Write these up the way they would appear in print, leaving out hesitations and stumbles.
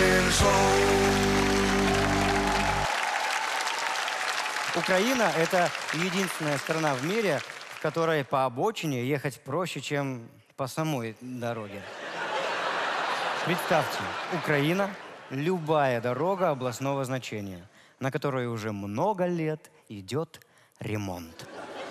Украина – это единственная страна в мире, в которой по обочине ехать проще, чем по самой дороге. Представьте, Украина – любая дорога областного значения, на которой уже много лет идет ремонт.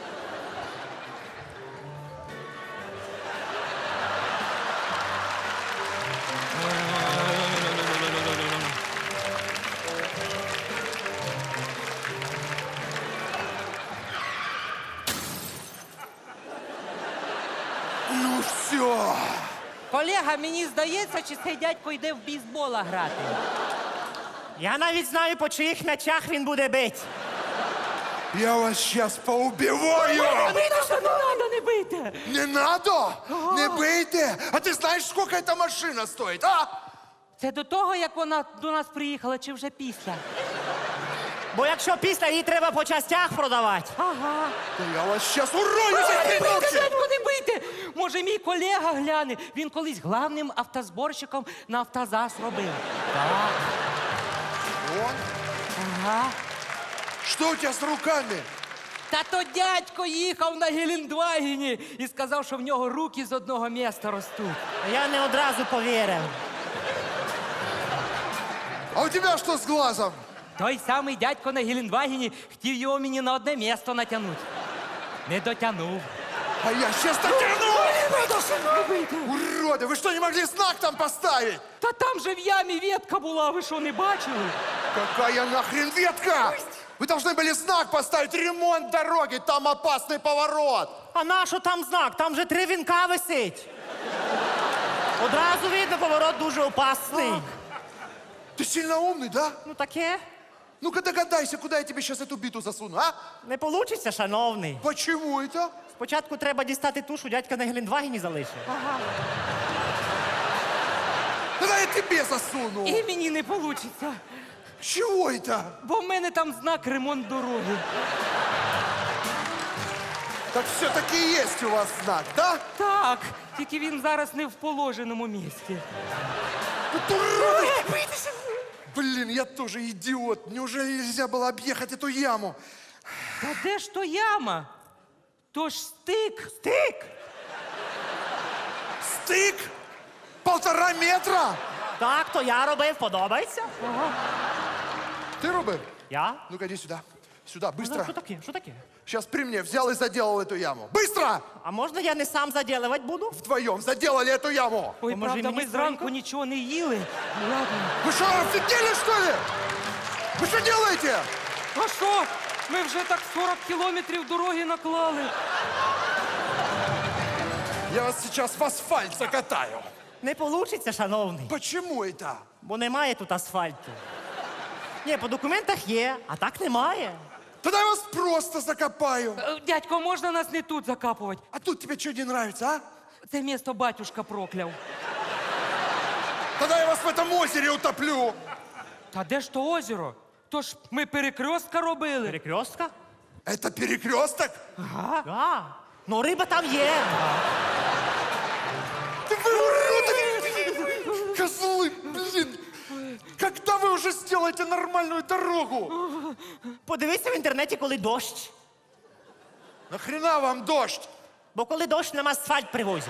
Ну все. Колега, мені здається, чи цей дядько йде в бейсбола грати. Я навіть знаю, по чиїх м'ячах він буде бити. Я вас сейчас поубиваю! Митюша, не треба, не бийте! Не надо? Не бейте! А ты знаешь, сколько эта машина стоит, а? Це до того, як вона до нас приїхала, чи вже після? Бо якщо після її треба по частях продавати. Ага. Да я вас сейчас урою за Не бийте, хренухи! дядько, не бийте! Може, мій колега гляне, він колись главним автозборщиком на автозас робив. Он? Ага. Что у тебя с руками? Та то дядько їхав на Гелендвагені і сказав, що в нього руки з одного міста ростуть. Я не одразу повірив. А у тебя что с глазом? Той самий дядько на Гелендвагені хотів його мені на одне місто натягнути. Не дотягнув. А я сейчас дотяну! Уроды, вы что, не могли знак там поставить? Та там же в ямі ветка була, ви що, не бачили? Какая нахрен ветка? Вы должны были знак поставить, ремонт дороги, там опасный поворот. А на що там знак? Там же 3 вінка висить. Одразу видно, поворот дуже опасний. Ты сильно умный, да? Ну таке. Ну-ка догадайся, куда я тебе сейчас эту биту засуну, а? Не получиться, шановний. Почему это? Спочатку треба дістати ту, що дядька на Гелендвагені залишив. Тогда я тебе засуну. І мені не вийде, Чего это? бо в мене там знак ремонт дороги. Так все-таки есть у вас знак, да? Так, тільки він зараз не в положеному місці. Вот уроды! Блин, я тоже идиот. Неужели нельзя было объехать эту яму? Та де ж то яма? То ж стик. Стик! Стык? 1,5 метра? Так, то я робив, подобається? Ты, Роберт? Я? Ну-ка, иди сюда. Сюда, Ну, быстро. що таке? Що таке? Сейчас при мне взял и заделал эту яму. Быстро! А можна я не сам заділувати буду? Вдвоем заделали эту яму. Ой, Поможи правда, мені ми зранку скоренько. нічого не їли. Ну, ладно. Вы что, офигели, что ли? Вы что делаете? А що? Ми вже так 40 кілометрів дороги наклали. Я вас сейчас в асфальт закатаю. Не получиться, шановний. Почему это? Бо немає тут асфальту. Ні, по документах є, а так немає. Тогда я вас просто закопаю. Дядько, можна нас не тут закапувати? А тут тебе что не нравится, а? Це місто батюшка прокляв. Тогда я вас в этом озере утоплю. Та де ж то озеро? То ж ми перекрестка робили. Перекрестка? Это перекресток? Да. Ну риба там є. Да вы уроды! Козлы, блин! Когда вы уже сделаете нормальную дорогу? Подивися в інтернеті, коли дощ. Нахрена вам дождь? Бо коли дощ, нам асфальт привозять.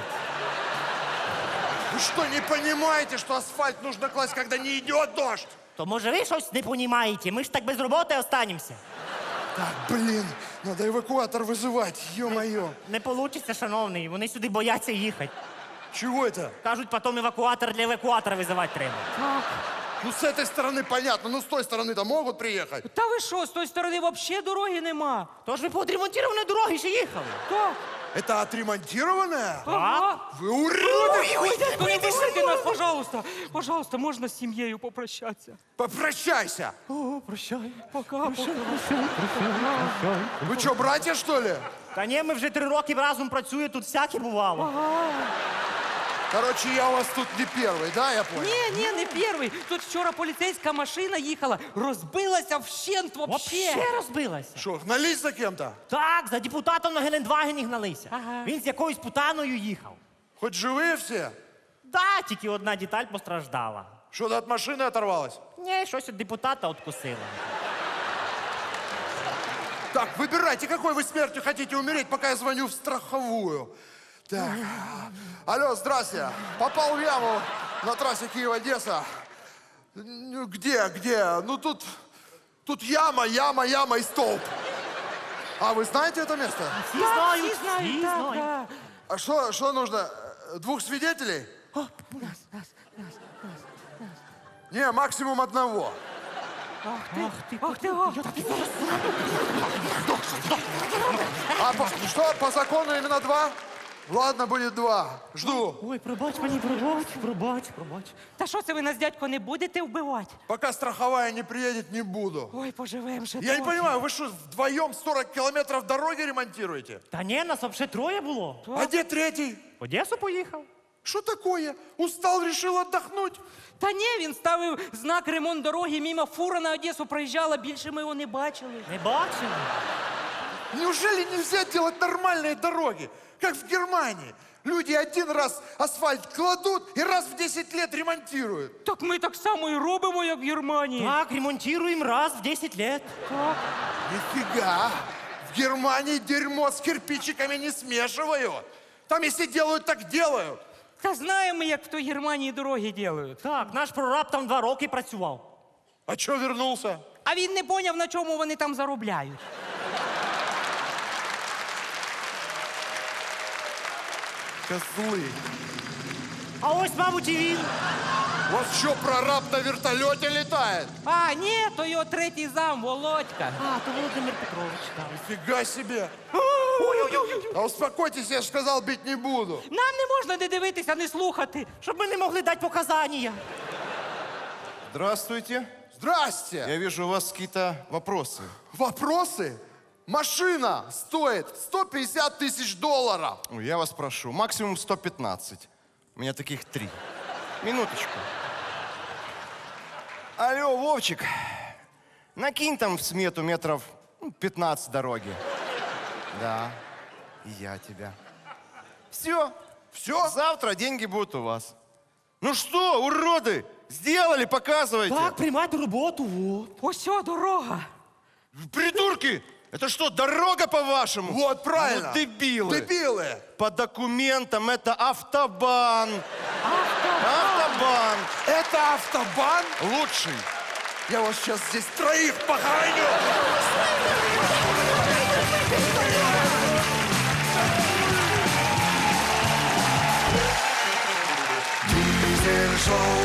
Вы что, не понимаете, что асфальт нужно класть, когда не идет дождь? То може ви щось не понімаєте? Ми ж так без роботи останемося. Так, блин, надо эвакуатор вызывать, ё-моё. Не получиться, шановний. Вони сюди бояться їхати. Чего это? Кажуть, потім евакуатор для евакуатора визивати треба. Ну, с этой стороны понятно, но с той стороны-то могут приехать. Та ви що, з тої сторони взагалі дороги нема? Тож ви по відремонтованій дорогі ще їхали. Так. Это отремонтированная? Ага. Вы уроды! Ой, дядько, не пишите нас, пожалуйста. Пожалуйста, можна з сім'єю попрощатися? Попрощайся! О, прощай. Пока, пока. Вы что, братья, что ли? Та ні, ми вже 3 роки разом працюємо, тут всяке бувало. Короче, я у вас тут не первый, да, я понял? Ні, не перший. Тут вчора поліцейська машина їхала, розбилася вщент вообще. Вообще розбилася. Что, гнались за кем-то? Так, за депутатом на Гелендвагені гналися. Ага. Він з якоюсь путаною їхав. Хоть живые все? Да, тільки одна деталь постраждала. Что, ты от машины оторвалась? Ні, щось від депутата откусила. Так, выбирайте, какой вы смертью хотите умереть, пока я звоню в страховую. Так. Алло, здрасте. Попал в яму на трассе Киев-Одесса. Ну, где? Ну, тут яма и столб. А вы знаете это место? Всі знають, всі знають, всі так, знають. да. А что нужно? 2 свидетелей? Не, максимум 1. Ах ти, ох. А что, по закону именно 2? Ладно, будет 2. Жду. Ой, пробач мені, пробач. Та що це ви нас, дядько, не будете вбивати? Пока страховая не приедет, не буду. Ой, поживем ще Я не трохи. понимаю, вы что, вдвоем 40 километров дороги ремонтируете? Та ні, нас взагалі 3 було. А где 3? В Одесу поїхав. Что такое? Устал, решил отдохнуть? Та ні, він ставив знак ремонт дороги, мимо фура на Одесу проїжджала, більше ми його не бачили. Не бачили? Неужели нельзя делать нормальные дороги, как в Германии? Люди 1 раз асфальт кладут и раз в 10 лет ремонтируют. Так ми так само і робимо, як в Германії. Так, ремонтуємо раз в 10 лет. Так. Нифига! В Германии дерьмо с кирпичиками не смешивают. Там если делают, так делают. Та знаємо ми, як в той Германії дороги роблять. Так, наш прораб там 2 роки працював. А что вернулся? А він не поняв, на чому вони там заробляють. Козлы. А ось, мабуть, і він. У вас что, прораб на вертолете летает? А, ні, то його третій зам, Володька. А, то Володимир Петрович, так. Нифига себе. А успокойтесь, я же сказал, бить не буду. Нам не можна не дивитися, не слухати. Щоб ми не могли дати показання. Здравствуйте. Здрасте. Я вижу, у вас какие-то вопросы. Вопросы? Машина стоит 150 тысяч долларов. Ой, я вас прошу, максимум 115. У меня таких 3. Минуточку. Алло, Вовчик, накинь там в смету метров 15 дороги. Да, и я тебя. Все, Все? завтра деньги будут у вас. Ну что, уроды, сделали, показывайте. Так, приймайте роботу, вот. Ось о, дорога. Придурки, это что, дорога по-вашему? Вот, правильно. Ну, дебилы. Дебилы. По документам это автобан. Автобан. Это автобан? Лучший. Я вас сейчас здесь 3 похороню. Дизель шоу.